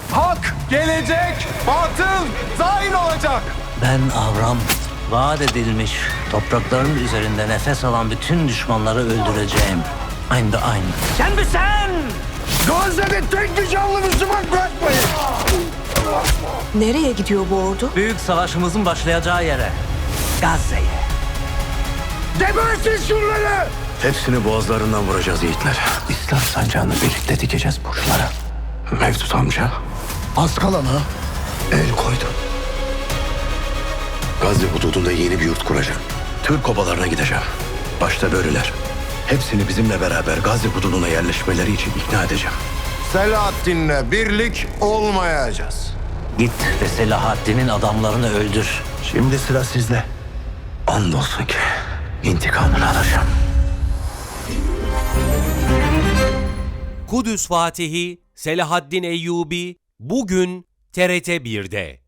Hak gelecek, batıl zain olacak. Ben Avram, vaat edilmiş toprakların üzerinde nefes alan bütün düşmanları öldüreceğim. Aynı da aynı. Sen mi sen? Gazze'de tek bir canlı Müslüman bırakmayın. Nereye gidiyor bu ordu? Büyük savaşımızın başlayacağı yere. Gazze'ye. Gebertin şunları. Hepsini boğazlarından vuracağız yiğitler. İslam sancağını birlikte dikeceğiz burçlara. Mevdut amca Az kalana el koydu. Gazze hududunda yeni bir yurt kuracağım. Türk obalarına gideceğim. Başta böyleler. Hepsini bizimle beraber Gazze hududuna yerleşmeleri için ikna edeceğim. Selahaddin'le birlik olmayacağız. Git ve Selahaddin'in adamlarını öldür. Şimdi sıra sizde. Andolsun ki intikamını alacağım. Kudüs Fatihi Selahaddin Eyyubi bugün TRT 1'de.